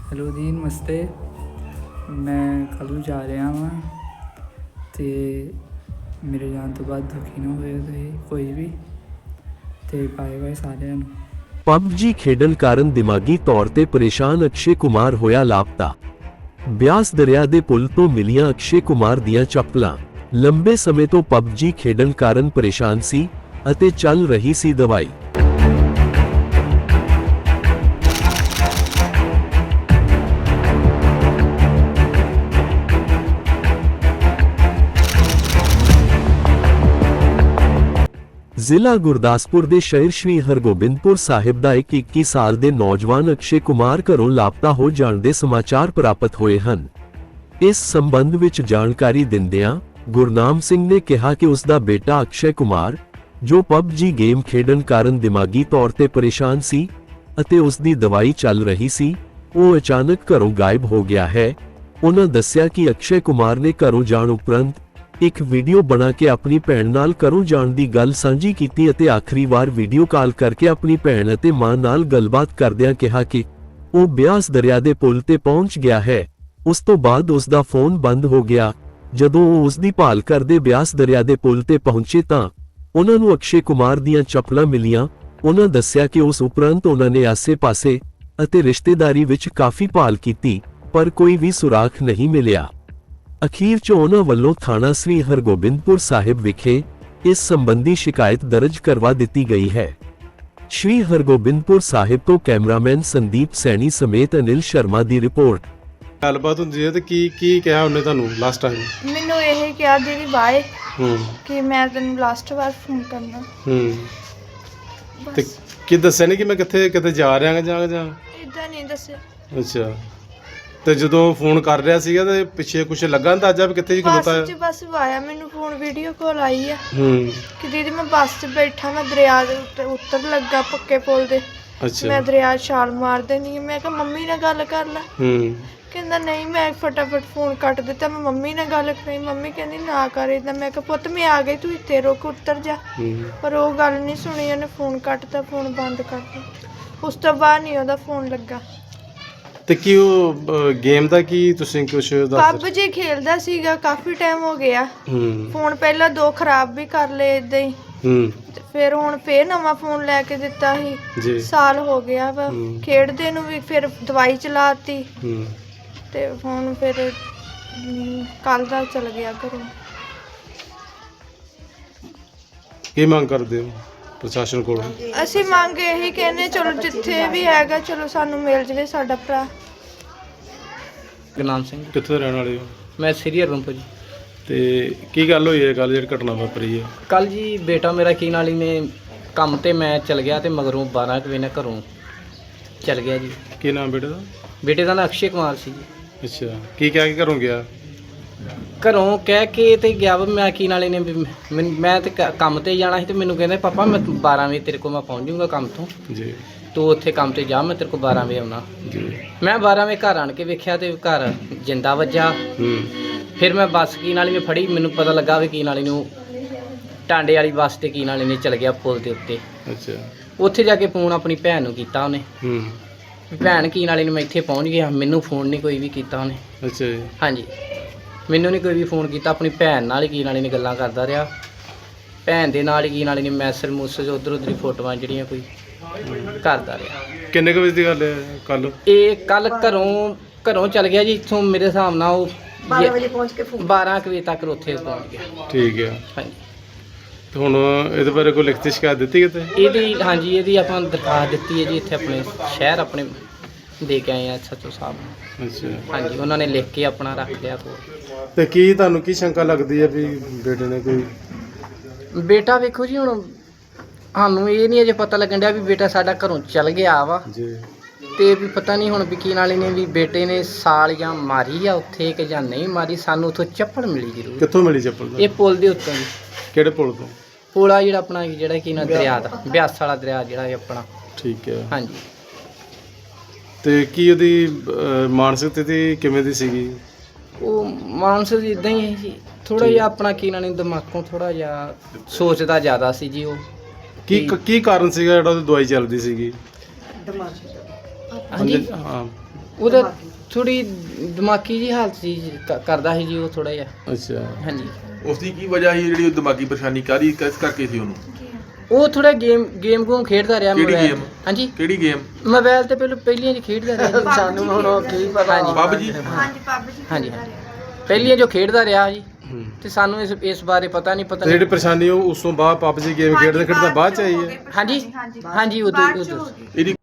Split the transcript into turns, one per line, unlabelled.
Hello ਜੀ, ਨਮਸਤੇ। ਮੈਂ ਕੱਲ੍ਹ ਨੂੰ ਜਾ ਰਿਹਾ ਵਾਂ ਅਤੇ ਮੇਰੇ ਜਾਣ ਤੋਂ ਬਾਅਦ ਦੁਖੀ ਨਾ ਹੋਇਓ ਤੁਸੀਂ ਕੋਈ ਵੀ, ਅਤੇ ਬਾਏ ਬਾਏ ਸਾਰਿਆਂ ਨੂੰ।
ਪਬਜੀ ਖੇਡਣ ਕਾਰਨ ਦਿਮਾਗੀ ਤੌਰ ਤੇ ਪਰੇਸ਼ਾਨ ਅਕਸ਼ੇ ਕੁਮਾਰ ਹੋਇਆ ਲਾਪਤਾ। ਬਿਆਸ ਦਰਿਆ ਦੇ ਪੁਲ ਤੋਂ ਮਿਲੀਆਂ ਅਕਸ਼ੇ ਕੁਮਾਰ ਦੀਆਂ ਚੱਪਲਾਂ। ਲੰਬੇ ਸਮੇਂ ਤੋਂ ਪਬਜੀ ਖੇਡਣ ਕਾਰਨ ਪਰੇਸ਼ਾਨ ਸੀ ਅਤੇ ਚੱਲ ਰਹੀ ਸੀ ਦਵਾਈ। ਜ਼ਿਲ੍ਹਾ ਗੁਰਦਾਸਪੁਰ ਦੇ ਸ਼ਹਿਰ ਸ਼੍ਰੀ ਹਰਗੋਬਿੰਦਪੁਰ ਸਾਹਿਬ ਦਾ ਇੱਕ 21 ਸਾਲ ਦੇ ਨੌਜਵਾਨ ਅਕਸ਼ੇ ਕੁਮਾਰ ਘਰੋਂ ਲਾਪਤਾ ਹੋ ਜਾਣ ਦੇ ਸਮਾਚਾਰ ਪ੍ਰਾਪਤ ਹੋਏ ਹਨ। ਇਸ ਸੰਬੰਧ ਵਿੱਚ ਜਾਣਕਾਰੀ ਦਿੰਦਿਆਂ ਗੁਰਨਾਮ ਸਿੰਘ ਨੇ ਕਿਹਾ ਕਿ ਉਸ ਦਾ ਬੇਟਾ ਅਕਸ਼ੇ ਕੁਮਾਰ, ਜੋ ਪਬਜੀ ਗੇਮ ਖੇਡਣ ਕਾਰਨ ਦਿਮਾਗੀ ਤੌਰ ਤੇ ਪਰੇਸ਼ਾਨ ਸੀ ਅਤੇ ਉਸ ਦੀ ਦਵਾਈ ਚੱਲ ਰਹੀ ਸੀ, ਉਹ ਅਚਾਨਕ ਘਰੋਂ ਗਾਇਬ ਹੋ ਗਿਆ ਹੈ। ਉਹਨਾਂ ਦੱਸਿਆ ਕਿ ਅਕਸ਼ੇ ਕੁਮਾਰ ਨੇ ਘਰੋਂ ਜਾਣ ਉਪਰੰਤ ਇੱਕ ਵੀਡੀਓ ਬਣਾ ਕੇ ਆਪਣੀ ਭੈਣ ਨਾਲ ਘਰੋਂ ਜਾਣ ਦੀ ਗੱਲ ਸਾਂਝੀ ਕੀਤੀ ਅਤੇ ਆਖਰੀ ਵਾਰ ਵੀਡੀਓ ਕਾਲ ਕਰਕੇ ਆਪਣੀ ਭੈਣ ਅਤੇ ਮਾਂ ਨਾਲ ਗੱਲਬਾਤ ਕਰਦਿਆਂ ਕਿਹਾ ਕਿ ਉਹ ਬਿਆਸ ਦਰਿਆ ਦੇ ਪੁਲ ਤੇ ਪਹੁੰਚ ਗਿਆ ਹੈ। ਉਸ ਤੋਂ ਬਾਅਦ ਉਸ ਦਾ ਫੋਨ ਬੰਦ ਹੋ ਗਿਆ। ਜਦੋਂ ਉਹ ਉਸ ਦੀ ਭਾਲ ਕਰਦੇ ਬਿਆਸ ਦਰਿਆ ਦੇ ਪੁਲ ਤੇ ਪਹੁੰਚੇ ਤਾਂ ਉਹਨਾਂ ਨੂੰ ਅਕਸ਼ੇ ਕੁਮਾਰ ਦੀਆਂ ਚੱਪਲਾਂ ਮਿਲੀਆਂ। ਉਹਨਾਂ ਦੱਸਿਆ ਕਿ ਉਸ ਉਪਰੰਤ ਉਹਨਾਂ ਨੇ ਆਸੇ-ਪਾਸੇ ਅਤੇ ਰਿਸ਼ਤੇਦਾਰੀ ਵਿੱਚ ਕਾਫੀ ਭਾਲ ਕੀਤੀ, ਪਰ ਕੋਈ ਵੀ ਸੁਰਾਖ ਨਹੀਂ ਮਿਲਿਆ। ਅਖੀਰ 'ਚ ਉਹਨਾਂ ਵੱਲੋਂ ਥਾਣਾ ਸ੍ਰੀ ਹਰਗੋਬਿੰਦਪੁਰ ਸਾਹਿਬ ਵਿਖੇ ਇਸ ਸੰਬੰਧੀ ਸ਼ਿਕਾਇਤ ਦਰਜ ਕਰਵਾ ਦਿੱਤੀ ਗਈ ਹੈ। ਸ਼੍ਰੀ ਹਰਗੋਬਿੰਦਪੁਰ ਸਾਹਿਬ ਤੋਂ ਕੈਮਰਾਮੈਨ ਸੰਦੀਪ ਸੈਣੀ ਸਮੇਤ ਅਨਿਲ ਸ਼ਰਮਾ ਦੀ ਰਿਪੋਰਟ।
ਗੱਲਬਾਤ ਹੁੰਦੀ ਹੈ ਤੇ ਕੀ ਕਿਹਾ ਉਹਨੇ ਤੁਹਾਨੂੰ ਲਾਸਟ ਟਾਈਮ?
ਮੈਨੂੰ ਇਹ ਕਿਹਾ ਦੀਦੀ ਬਾਏ, ਕਿ ਮੈਂ ਤੈਨੂੰ ਲਾਸਟ ਵਾਰ ਫੋਨ ਕਰਨਾ।
ਤੇ ਕੀ ਦੱਸਿਆ ਨਹੀਂ ਕਿ ਮੈਂ ਕਿੱਥੇ ਜਾ ਰਿਹਾ ਜਾਂ
ਇਦਾਂ ਨਹੀਂ ਦੱਸਿਆ।
ਅੱਛਾ, ਤੇ ਜਦੋਂ ਫੋਨ ਕਰ ਰਿਹਾ ਸੀਗਾ ਤੇ ਪਿੱਛੇ ਕੁਝ ਲੱਗਾ ਅੰਦਾਜ਼ਾ ਵੀ ਕਿੱਥੇ ਖਲੋਤਾ ਹੈ?
ਬਸ ਆਇਆ ਮੈਨੂੰ ਫੋਨ, ਵੀਡੀਓ ਕਾਲ ਆਈ ਆ ਕਿ ਦੀਦੀ ਮੈਂ ਬੱਸ 'ਚ ਬੈਠਾ, ਮੈਂ ਦਰਿਆ ਦੇ ਉੱਤੇ ਉੱਤਰ ਲੱਗਾ ਪੱਕੇ ਪੁਲ ਦੇ।
ਅੱਛਾ, ਮੈਂ
ਦਰਿਆ ਛਾਲ ਮਾਰ ਦੇਣੀ। ਮੈਂ ਕਿਹਾ ਮੰਮੀ ਨਾਲ ਗੱਲ ਕਰ ਲੈ। ਕਹਿੰਦਾ ਨਹੀਂ। ਮੈਂ ਫਟਾਫਟ ਫੋਨ ਕੱਟ ਦਿੱਤਾ। ਮੈਂ ਮੰਮੀ ਨਾਲ ਗੱਲ ਕਰੀ, ਮੰਮੀ ਕਹਿੰਦੀ ਨਾ ਕਰ ਏਦਾਂ। ਮੈਂ ਕਿਹਾ ਪੁੱਤ ਮੈਂ ਆ ਗਈ, ਤੂੰ ਇੱਥੇ ਰੁਕ, ਉੱਤਰ ਜਾ। ਪਰ ਉਹ ਗੱਲ ਨਹੀਂ ਸੁਣੀ, ਉਹਨੇ ਫੋਨ ਕੱਟਤਾ, ਫੋਨ ਬੰਦ ਕਰਤਾ। ਉਸ ਤੋਂ ਬਾਅਦ ਨਹੀਂ ਉਹਦਾ ਫੋਨ ਲੱਗਾ।
ਤੇ ਕੀ ਉਹ ਗੇਮ ਦਾ ਕੀ ਤੁਸੀਂ ਕੁਝ ਦੱਸ?
ਪਬਜੀ ਖੇਲਦਾ ਸੀਗਾ, ਕਾਫੀ ਟਾਈਮ ਹੋ ਗਿਆ। ਫੋਨ ਪਹਿਲਾਂ 2 ਖਰਾਬ ਵੀ ਕਰ ਲਏ ਏਦਾਂ ਹੀ। ਫਿਰ ਹੁਣ ਫੇਰ ਨਵਾਂ ਫੋਨ ਲੈ ਕੇ ਦਿੱਤਾ ਸੀ। ਸਾਲ ਹੋ ਗਿਆ ਵਾ ਖੇਡਦੇ ਨੂੰ ਵੀ। ਫਿਰ ਦਵਾਈ ਚਲਾਤੀ ਤੇ ਹੁਣ ਫਿਰ ਕੱਲ ਦਾ ਚਲ ਗਿਆ ਘਰੋਂ।
ਕੀ ਮੰਗ ਕਰਦੇ ਹੋ ਪ੍ਰਸ਼ਾਸਨ ਕੋਲ?
ਅਸੀਂ ਮੰਗ ਇਹੀ ਕਹਿੰਦੇ, ਚਲੋ ਜਿੱਥੇ ਵੀ ਹੈਗਾ ਚਲੋ ਸਾਨੂੰ ਮਿਲ ਜਵੇ ਸਾਡਾ ਭਰਾ।
ਗੁਰਨਾਮ ਸਿੰਘ।
ਕਿੱਥੋਂ ਰਹਿਣ ਵਾਲੇ ਹੋ?
ਮੈਂ ਸ੍ਰੀ ਹਰਗੋਬਿੰਦਪੁਰ ਜੀ।
ਤੇ ਕੀ ਗੱਲ ਹੋਈ ਹੈ ਕੱਲ ਜਿਹੜੀ ਘਟਨਾ ਵਾਪਰੀ ਹੈ?
ਕੱਲ ਜੀ ਬੇਟਾ ਮੇਰਾ ਕੀ ਨਾਲ ਹੀ ਨੇ ਕੰਮ ਤੇ ਮੈਂ ਚਲ ਗਿਆ ਤੇ ਮਗਰੋਂ 12 ਵਜੇ ਨਾਲ ਘਰੋਂ ਚਲ ਗਿਆ ਜੀ।
ਕੀ ਨਾਮ ਬੇਟੇ ਦਾ?
ਬੇਟੇ ਦਾ ਨਾਂ ਅਕਸ਼ੇ ਕੁਮਾਰ ਸੀ ਜੀ।
ਅੱਛਾ, ਕੀ ਕਹਿ ਕੇ ਘਰੋਂ ਗਿਆ?
ਘਰੋਂ ਕਹਿ ਕੇ ਤੇ ਗਿਆ ਵਾ ਮੈਂ ਕੀ ਨਾਲੇ ਨੇ ਮੈਂ ਤੇ ਕੰਮ ਤੇ ਜਾਣਾ ਸੀ ਤੇ ਮੈਨੂੰ ਕਹਿੰਦੇ ਪਾਪਾ ਮੈਂ 12 ਵਜੇ ਤੇਰੇ ਕੋਲ ਮੈਂ ਪਹੁੰਚ ਜਾਊਂਗਾ ਕੰਮ ਤੋਂ
ਜੀ,
ਤੂੰ ਉੱਥੇ ਕੰਮ ਤੇ ਜਾ, ਮੈਂ ਤੇਰੇ ਕੋਲ 12 ਵਜੇ ਆਉਣਾ
ਜੀ।
ਮੈਂ 12 ਵਜੇ ਘਰ ਆਣ ਕੇ ਵੇਖਿਆ ਤੇ ਘਰ ਜਿੰਦਾ ਵੱਜਾ। ਫਿਰ ਮੈਂ ਬੱਸ ਕੀ ਨਾਲੀ ਨੇ ਫੜੀ, ਮੈਨੂੰ ਪਤਾ ਲੱਗਾ ਵੀ ਕੀ ਨਾਲੀ ਨੂੰ ਟਾਂਡੇ ਵਾਲੀ ਬੱਸ ਤੇ ਕੀ ਨਾਲੀ ਨੇ ਚਲ ਗਿਆ ਪੁਲ ਦੇ ਉੱਤੇ।
ਅੱਛਾ,
ਉੱਥੇ ਜਾ ਕੇ ਫੋਨ ਆਪਣੀ ਭੈਣ ਨੂੰ ਕੀਤਾ ਉਹਨੇ। ਭੈਣ ਕੀ ਨਾਲੀ ਨੂੰ ਮੈਂ ਇੱਥੇ ਪਹੁੰਚ ਗਿਆ, ਮੈਨੂੰ ਫੋਨ ਨਹੀਂ ਕੋਈ ਵੀ ਕੀਤਾ ਉਹਨੇ।
ਅੱਛਾ ਜੀ। ਹਾਂਜੀ,
ਮੈਨੂੰ ਨਹੀਂ ਕੋਈ ਵੀ ਫੋਨ ਕੀਤਾ, ਆਪਣੀ ਭੈਣ ਨਾਲ ਹੀ ਕੀ ਨਾਲੀ ਨੇ ਗੱਲਾਂ ਕਰਦਾ ਰਿਹਾ। ਭੈਣ ਦੇ ਨਾਲ ਹੀ ਕੀ ਨਾਲੀ ਨੇ ਮੈਸੇਜ ਉੱਧਰ ਉੱਧਰ ਹੀ ਫੋਟੋਆਂ ਜਿਹੜੀਆਂ ਕੋਈ ਕਰਦਾ ਰਿਹਾ।
ਕਿੰਨੇ ਕੁ ਵਜੇ ਦੀ ਗੱਲ ਹੈ ਕੱਲ?
ਇਹ ਕੱਲ ਘਰੋਂ ਚਲ ਗਿਆ ਜੀ ਇੱਥੋਂ ਮੇਰੇ ਹਿਸਾਬ ਨਾਲ ਉਹ 12 ਵਜੇ ਪਹੁੰਚ ਕੇ 12 ਵਜੇ ਤੱਕ ਉੱਥੇ ਪਹੁੰਚ ਗਿਆ।
ਠੀਕ ਹੈ।
ਹਾਂਜੀ,
ਤੇ ਹੁਣ ਇਹਦੇ ਬਾਰੇ ਕੋਈ ਲਿਖਤੀ ਸ਼ਿਕਾਇਤ ਦਿੱਤੀ ਕਿਤੇ?
ਇਹਦੀ ਆਪਾਂ ਦਰਖਾਸਤ ਦਿੱਤੀ ਹੈ ਜੀ, ਇੱਥੇ ਆਪਣੇ ਸ਼ਹਿਰ ਆਪਣੇ ਦੇ ਕੇ ਆਏ ਆ SHO ਸਾਹਿਬ ਨੂੰ।
ਅੱਛਾ,
ਹਾਂਜੀ, ਉਹਨਾਂ ਨੇ ਲਿਖ ਕੇ ਆਪਣਾ ਰੱਖ ਲਿਆ ਕੋਲ।
ਤੇ ਕੀ ਤੁਹਾਨੂੰ ਕੀ ਸ਼ੰਕਾ ਲੱਗਦੀ ਹੈ ਵੀ ਬੇਟੇ ਨੇ ਕੋਈ?
ਬੇਟਾ ਵੇਖੋ ਜੀ, ਹੁਣ ਸਾਨੂੰ ਇਹ ਨਹੀਂ ਅਜੇ ਪਤਾ ਲੱਗਣ ਡਿਆ ਵੀ ਬੇਟਾ ਸਾਡਾ ਘਰੋਂ ਚਲ ਗਿਆ ਵਾ
ਜੀ,
ਤੇ ਵੀ ਪਤਾ ਨਹੀਂ ਹੁਣ ਵਕੀਲ ਵਾਲੇ ਨੇ ਵੀ ਬੇਟੇ ਨੇ ਸਾਲ ਜਾਂ ਮਾਰੀ ਆ ਉੱਥੇ ਕਿ ਜਾਂ ਨਹੀਂ ਮਾਰੀ। ਸਾਨੂੰ ਉੱਥੋਂ ਚੱਪਲ ਮਿਲੀ ਜ਼ਰੂਰ।
ਕਿੱਥੋਂ ਮਿਲੀ ਚੱਪਲ?
ਇਹ ਪੁਲ ਦੇ ਉੱਤੋਂ ਜੀ।
ਕਿਹੜੇ ਪੁਲ ਤੋਂ?
ਪੁਲ ਆ ਜਿਹੜਾ ਆਪਣਾ ਜਿਹੜਾ ਕੀ ਨਾ ਦਰਿਆ ਦਾ, ਬਿਆਸ ਵਾਲਾ ਦਰਿਆ ਜਿਹੜਾ ਆਪਣਾ।
ਠੀਕ ਹੈ।
ਹਾਂਜੀ।
ਤੇ ਕੀ ਉਹਦੀ ਮਾਨਸਿਕ ਸਥਿਤੀ ਕਿਵੇਂ ਦੀ ਸੀਗੀ?
ਉਹ ਮਾਨਸਿਕ ਇਦਾਂ ਹੀ ਹੈ ਜੀ, ਥੋੜਾ ਜਿਹਾ ਆਪਣਾ ਕੀ ਨਾ ਦਿਮਾਗੋਂ ਥੋੜਾ ਜਿਹਾ ਸੋਚਦਾ ਜ਼ਿਆਦਾ ਸੀ ਜੀ। ਉਹ
ਕੀ ਕਾਰਨ ਸੀਗਾ ਜਿਹੜਾ ਉਹਦੀ ਦਵਾਈ ਚੱਲਦੀ ਸੀਗੀ?
ਹਾਂਜੀ,
ਹਾਂ,
ਉਹਦਾ ਥੋੜੀ ਦਿਮਾਗੀ ਜੀ ਹਾਲਤ ਸੀ ਜੀ, ਕਰਦਾ ਸੀ ਜੀ ਉਹ ਥੋੜਾ ਜਿਹਾ।
ਅੱਛਾ
ਹਾਂਜੀ
ਉਸ ਦੀ ਕੀ ਵਜ੍ਹਾ ਸੀ ਜਿਹੜੀ ਉਹ ਦਿਮਾਗੀ ਪਰੇਸ਼ਾਨੀ ਕਾਹਦੀ ਕਿਸ ਕਰਕੇ ਸੀ ਉਹਨੂੰ?
ਉਹ ਥੋੜਾ ਗੇਮ ਗੂਮ ਖੇਡਦਾ ਰਿਹਾ
ਕਿਹੜੀ
mobile
game?
ਤੇ। ਹਾਂਜੀ
ਕਿਹੜੀ ਗੇਮ?
ਮੋਬਾਈਲ ਤੇ ਪਹਿਲੀਆਂ ਜੀ ਖੇਡਦਾ ਰਿਹਾ ਜੀ।
ਸਾਨੂੰ ਹੁਣ ਉਹ
ਕੀ ਪਤਾ
ਪੱਬ ਜੀ?
ਹਾਂਜੀ ਪੱਬ ਜੀ
ਹਾਂਜੀ ਪਹਿਲੀਆਂ ਜੋ ਖੇਡਦਾ ਰਿਹਾ ਜੀ, ਤੇ ਸਾਨੂੰ ਇਸ ਬਾਰੇ ਪਤਾ ਨਹੀਂ
ਤੇ ਜਿਹੜੀ ਪਰੇਸ਼ਾਨੀ ਉਹ ਉਸ ਤੋਂ ਬਾਅਦ ਪਬਜੀ ਗੇਮ ਖੇਡਦੇ ਬਾਅਦ ਚ ਆਈ ਹੈ?
ਹਾਂਜੀ ਹਾਂਜੀ ਉਦੋਂ
ਇਹਦੀ